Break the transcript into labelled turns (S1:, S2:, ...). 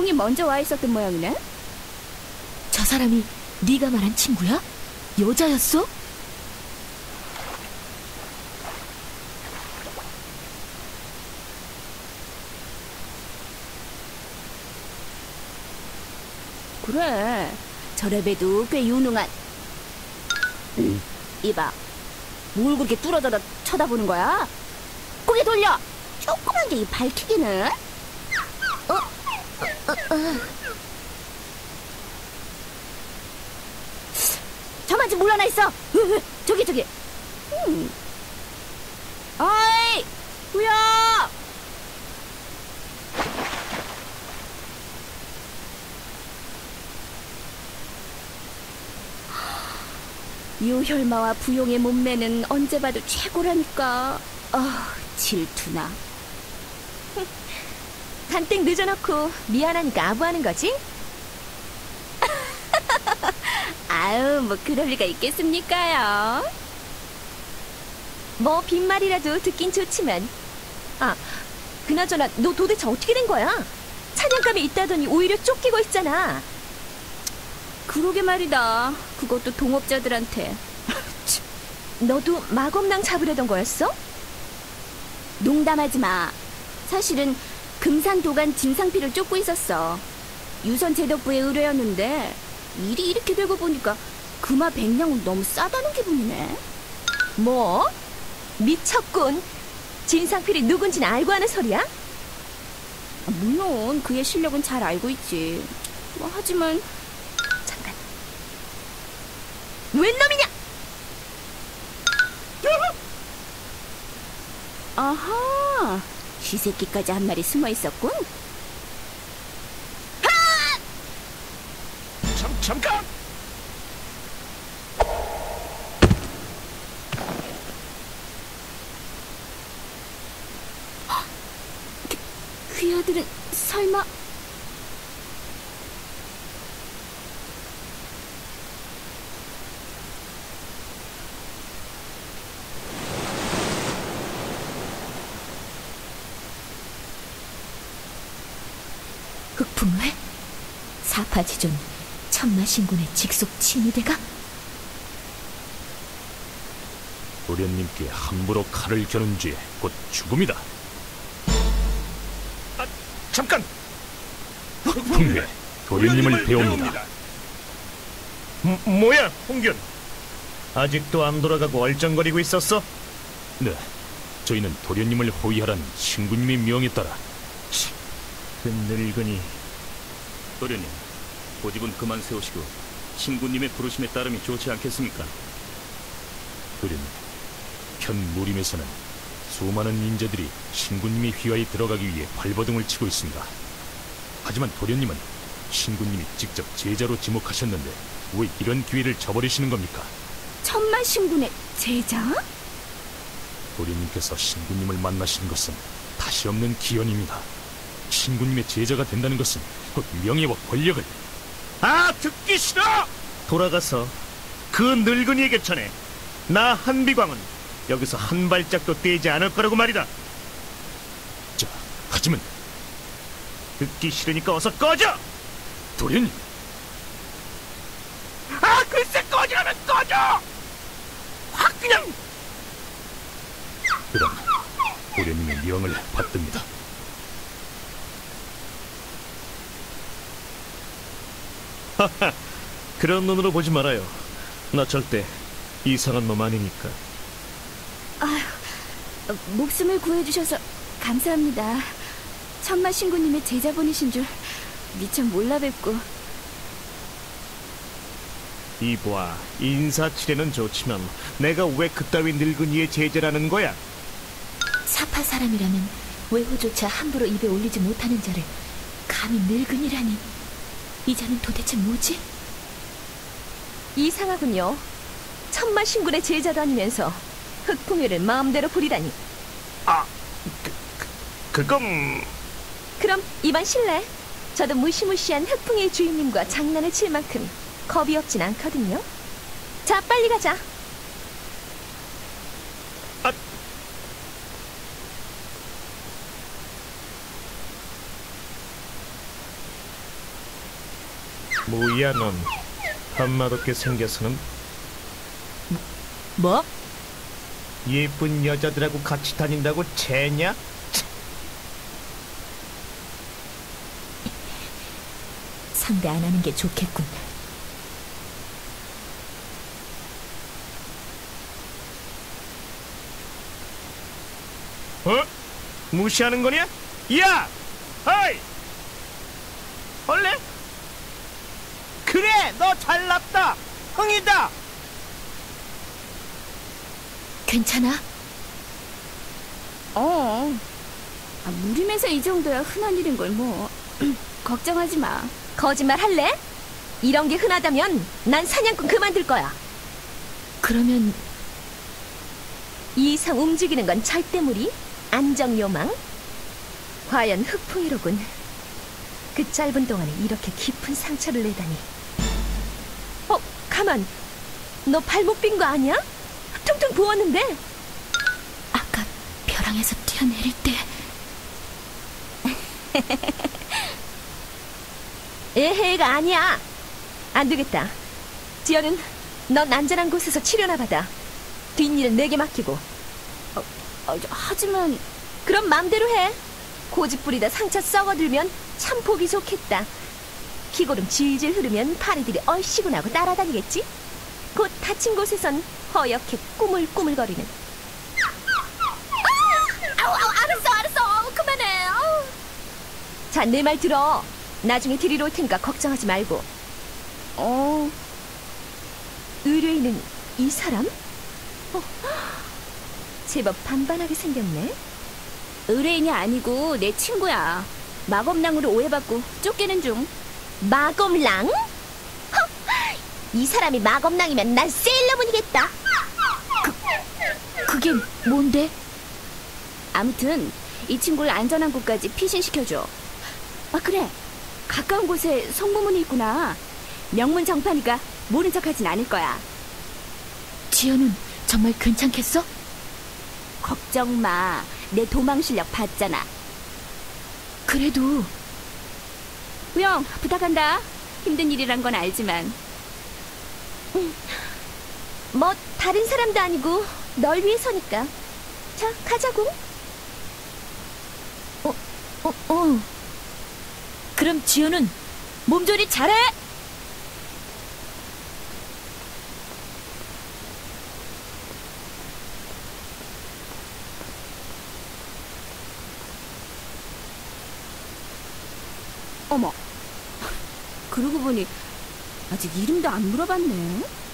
S1: 형이 먼저 와 있었던 모양이네?
S2: 저 사람이 네가 말한 친구야? 여자였어?
S1: 그래, 저래봬도 꽤 유능한. 이봐, 뭘 그렇게 뚫어져라 쳐다보는 거야? 고개 돌려! 조그만 게 이 밝히기는? 저만 좀 물러나 있어! 저기! 어이! 후야! 유혈마와 부용의 몸매는 언제 봐도 최고라니까. 질투나.
S2: 간땡 늦어놓고 미안하니까 아부하는 거지?
S1: 아유, 뭐 그럴 리가 있겠습니까요?
S2: 뭐 빈말이라도 듣긴 좋지만. 아, 그나저나 너 도대체 어떻게 된 거야? 사냥감이 있다더니 오히려 쫓기고 있잖아.
S1: 그러게 말이다. 그것도 동업자들한테.
S2: 너도 마검낭 잡으려던 거였어?
S1: 농담하지 마. 사실은 금산도간 진상피를 쫓고 있었어. 유선제독부의 의뢰였는데 일이 이렇게 되고 보니까 금화 100냥은 너무 싸다는 기분이네.
S2: 뭐? 미쳤군. 진상필이 누군지는 알고 하는 소리야?
S1: 물론 그의 실력은 잘 알고 있지. 뭐 하지만
S2: 잠깐. 웬 놈이냐?
S1: 아하, 쥐새끼까지 한 마리 숨어 있었군.
S3: 잠깐!
S1: 귀하들은 설마...
S2: 흑풍회? 사파지존 천마신군의 직속 친위대가?
S3: 도련님께 함부로 칼을 겨눈 죄 곧 죽음이다. 잠깐! 흑풍회, 도련님을 배웁니다.
S4: 뭐야, 홍균? 아직도 안 돌아가고 얼쩡거리고 있었어?
S3: 네, 저희는 도련님을 호위하라는 신군님의 명에 따라.
S4: 그 늙은이.
S3: 도련님, 고집은 그만 세우시고 신군님의 부르심에 따름이 좋지 않겠습니까? 도련님, 현 무림에서는 수많은 인재들이 신군님의 휘하에 들어가기 위해 발버둥을 치고 있습니다. 하지만 도련님은 신군님이 직접 제자로 지목하셨는데 왜 이런 기회를 저버리시는 겁니까?
S1: 천마신군의 제자?
S3: 도련님께서 신군님을 만나신 것은 다시 없는 기원입니다. 신군님의 제자가 된다는 것은 곧 명예와 권력을...
S4: 듣기 싫어! 돌아가서 그 늙은이에게 전해. 나 한비광은 여기서 한 발짝도 떼지 않을 거라고 말이다.
S3: 자, 하지만...
S4: 듣기 싫으니까 어서 꺼져!
S3: 도련님!
S4: 글쎄, 꺼지라면 꺼져! 확 그냥!
S3: 그럼 도련님의 명을 받듭니다.
S4: 하하, 그런 눈으로 보지 말아요. 나 절대 이상한 놈 아니니까.
S1: 목숨을 구해주셔서 감사합니다. 천마신군님의 제자분이신 줄 미처 몰라 뵙고.
S4: 이보아, 인사치레는 좋지만 내가 왜 그따위 늙은이의 제자라는 거야?
S2: 사파 사람이라면 외호조차 함부로 입에 올리지 못하는 자를 감히 늙은이라니. 이 자는 도대체 뭐지? 이상하군요. 천마신군의 제자도 아니면서 흑풍회를 마음대로 부리다니.
S4: 그건...
S2: 그럼 이번 실례. 저도 무시무시한 흑풍회 주인님과 장난을 칠 만큼 겁이 없진 않거든요. 자, 빨리 가자.
S4: 뭐야 넌 한맛없게 생겨서는.
S2: 뭐?
S4: 예쁜 여자들하고 같이 다닌다고 쟤냐?
S2: 상대 안 하는 게 좋겠군.
S4: 어? 무시하는 거냐? 야! 어이! 원래? 그래! 너 잘났다! 흥이다!
S2: 괜찮아?
S1: 무림에서 이 정도야 흔한 일인 걸 뭐. 걱정하지 마.
S2: 거짓말 할래? 이런 게 흔하다면 난 사냥꾼 그만둘 거야. 그러면 이 이상 움직이는 건 절대무리? 안정요망? 과연 흑풍이로군. 그 짧은 동안에 이렇게 깊은 상처를 내다니. 가만. 너 발목 빈 거 아니야? 퉁퉁 부었는데. 아까 벼랑에서 뛰어내릴 때. 에헤가 아니야. 안 되겠다. 지연은 넌 안전한 곳에서 치료나 받아. 뒷일은 내게 맡기고.
S1: 하지만
S2: 그럼 맘대로 해. 고집 부리다 상처 썩어들면 참 보기 좋겠다. 기고름 질질 흐르면 파리들이 얼씨구나고 따라다니겠지? 곧 다친 곳에선 허옇게 꾸물꾸물거리는.
S1: 알았어. 그만해.
S2: 자, 내 말 들어. 나중에 데리러 올 테니까 걱정하지 말고. 의뢰인은 이 사람? 제법 반반하게 생겼네.
S1: 의뢰인이 아니고 내 친구야. 마검랑으로 오해받고 쫓기는 중.
S2: 마검랑? 이 사람이 마검랑이면 난 세일러문이겠다. 그게 뭔데?
S1: 아무튼 이 친구를 안전한 곳까지 피신시켜줘. 그래. 가까운 곳에 성모문이 있구나. 명문 정판이가 모른 척하진 않을 거야.
S2: 지연은 정말 괜찮겠어?
S1: 걱정 마. 내 도망 실력 봤잖아.
S2: 그래도
S1: 우영, 부탁한다. 힘든 일이란 건 알지만.
S2: 뭐 다른 사람도 아니고 널 위해서니까. 자, 가자고. 그럼 지연은 몸조리 잘해.
S1: 어머. 그러고 보니 아직 이름도 안 물어봤네.